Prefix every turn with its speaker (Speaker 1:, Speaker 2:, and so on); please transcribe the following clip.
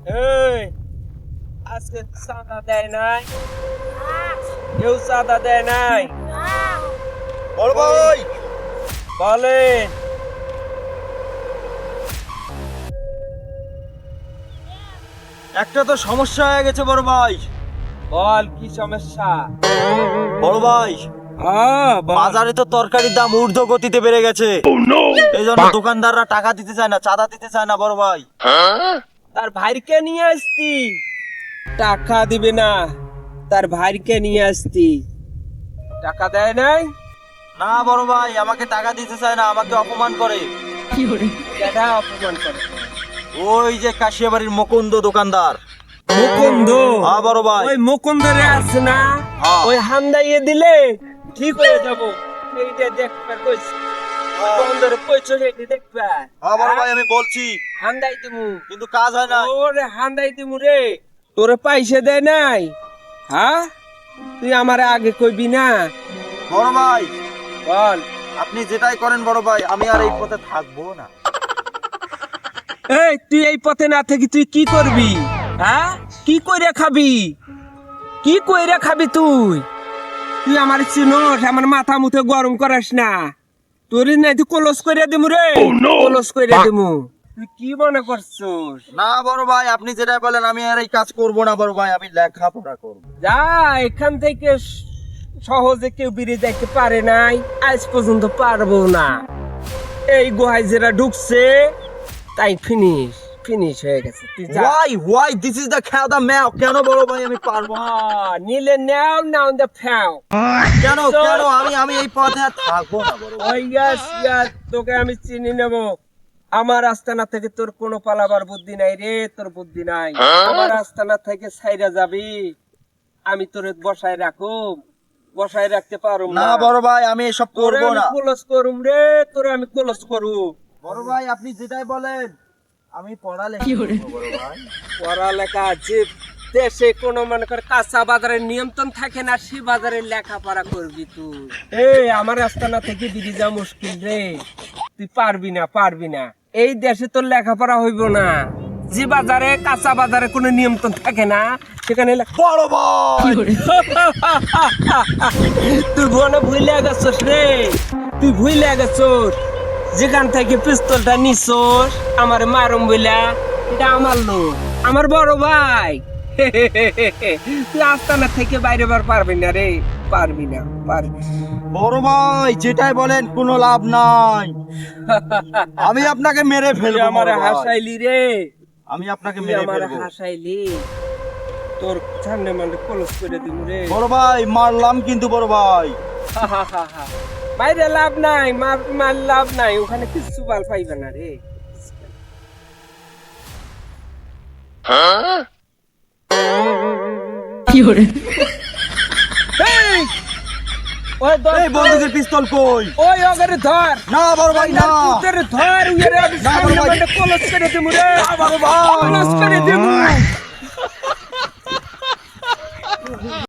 Speaker 1: এই আজকে চাঁদা দেয় নাই, কেউ চাঁদা দেয় নাই।
Speaker 2: বড় ভাই
Speaker 1: বলেন।
Speaker 2: একটা তো সমস্যা হয়ে গেছে বড় ভাই।
Speaker 1: বল কি সমস্যা?
Speaker 2: বড় ভাই বাজারে তো তরকারির দাম ঊর্ধ্ব গতিতে বেড়ে গেছে। এই জন্য দোকানদাররা টাকা দিতে চায় না, চাঁদা দিতে চায় না বড় ভাই।
Speaker 1: তার ভাইকে নিয়ে আসতি, টাকা দিবে না। তার ভাইকে নিয়ে আসতি, টাকা দেয় নাই।
Speaker 2: না বড় ভাই, আমাকে টাকা দিতে চায় না, আমাকে অপমান করে।
Speaker 1: কেডা অপমান করে?
Speaker 2: ওই যে কাশিয়াবাড়ির মুকুন্দ দোকানদার।
Speaker 1: মুকুন্দ?
Speaker 2: হ্যাঁ বড় ভাই।
Speaker 1: ওই মুকুন্দরে আছে না,
Speaker 2: হ্যাঁ।
Speaker 1: ওই হান্দাইয়ে দিলে ঠিক হয়ে যাব। এইটা দেখবার কইছি, মুকুন্দরে কইছো এইটা দেখবা।
Speaker 2: হ্যাঁ বড় ভাই, আমি বলছি
Speaker 1: হান্দাই দিমু,
Speaker 2: কিন্তু কাজ হয় না।
Speaker 1: ওরে হান্দাই দিমু রে। তোরে পয়সা দেয় নাই? হ্যাঁ, তুই আমারে আগে কইবি না?
Speaker 2: বড় ভাই
Speaker 1: বল।
Speaker 2: আপনি যেটাই করেন বড় ভাই, আমি আর এই পথে থাকবো না।
Speaker 1: এই তুই এই পথে না থেকে তুই কি করবি? হ্যাঁ, কি কইরা খাবি? কি কইরা খাবি তুই? তুই আমার চিনোস, আমার মাথা মুথে গরম করাস না। তোর নাই তুই কলস কইরা দিমু রে, কলস কইরা দিমু। তুই কি মনে করছস?
Speaker 2: না বড় ভাই, আপনি যেটাই বলেন আমি আর এই কাজ করবো না বড় ভাই, আমি লেখাপড়া করবো।
Speaker 1: যা এখান থেকে। সহজে কেউ বেরিয়ে যাইতে পারে নাই, আজ পর্যন্ত পারবো না। এই গুহায় যারা ঢুকছে তাই ফিনিশ ফিনিশ হয়ে গেছে। তুই যা।
Speaker 2: Why this is the cow the mouth? কেন বড় ভাই আমি পারবো না?
Speaker 1: নিলে নাও নাও দা ফ্যাও।
Speaker 2: কেন কেন আমি এই পথে আর থাকবো না বড় ভাই।
Speaker 1: তোকে আমি চিনি নেব। আমার আস্তানা থেকে তোর কোনো পালাবার বুদ্ধি নাই রে, তোর বুদ্ধি নাই। আমার আস্তানা থেকে ছাইরা যাবি, আমি তোর বসায় রাখুম? বসায় রাখতে পারুম
Speaker 2: না
Speaker 1: না
Speaker 2: বড় ভাই, আমি এসব
Speaker 1: তোরে
Speaker 2: করবো
Speaker 1: আমি
Speaker 2: না।
Speaker 1: ক্লোজ করুম রে, তোরে আমি ক্লোজ করুম।
Speaker 2: বড় ভাই আপনি যেটাই বলেন, আমি পড়ালেখা করবো বড় ভাই।
Speaker 1: পড়ালেখা যে দেশে কোনো মনে করে কাঁচা বাজারের নিয়ন্ত্রণ থাকে না, সে বাজারে লেখাপড়া করবি তুই। এই আমার আস্তানা থেকে বেরিয়ে যাওয়া মুশকিল রে, তুই পারবি না পারবি না। এই দেশে তোর লেখাপড়া হইব না। যে বাজারে কাঁচা বাজারে কোনো নিয়ন্ত্রণ থাকে না, সেখানে
Speaker 2: বড় ভাই
Speaker 1: তুই মনে ভুলে গেছস রে, তুই ভুলে গেছস। যেখান থেকে পিস্তলটা নিছস আমার মারুম বইলা, এটা আমার লোক, আমার বড় ভাই। তুই আস্তানা থেকে বাইরে বার পারবি না রে, পারবি না, পারবি।
Speaker 2: বড় ভাই যেটাই বলেন কোনো লাভ নাই। আমি আপনাকে মেরে
Speaker 1: তুই
Speaker 2: ফেলবো
Speaker 1: আমার
Speaker 2: বড় ভাই।
Speaker 1: হাসাইলি রে,
Speaker 2: আমি আপনাকে
Speaker 1: তুই
Speaker 2: মেরে
Speaker 1: আমার
Speaker 2: ফেলবো
Speaker 1: হাসাইলি। তোর সামনে মানে কলস করে দিব রে।
Speaker 2: বড় ভাই, মারলাম কিন্তু বড় ভাই।
Speaker 1: বাইরে লাভ নাই, মার লাভ নাই, ওখানে কিছু বাল পাইবে না রে। এই, ওই ধর,
Speaker 2: এই বন্দুকের পিস্তল কই?
Speaker 1: ওই ওগরে ধর।
Speaker 2: না বড় ভাই না।
Speaker 1: তোর ধর, উইরে আমি
Speaker 2: না,
Speaker 1: সামনে
Speaker 2: বড় ভাই।
Speaker 1: মানে কলস করে দিব রে,
Speaker 2: বড় ভাই
Speaker 1: কলস করে দিব।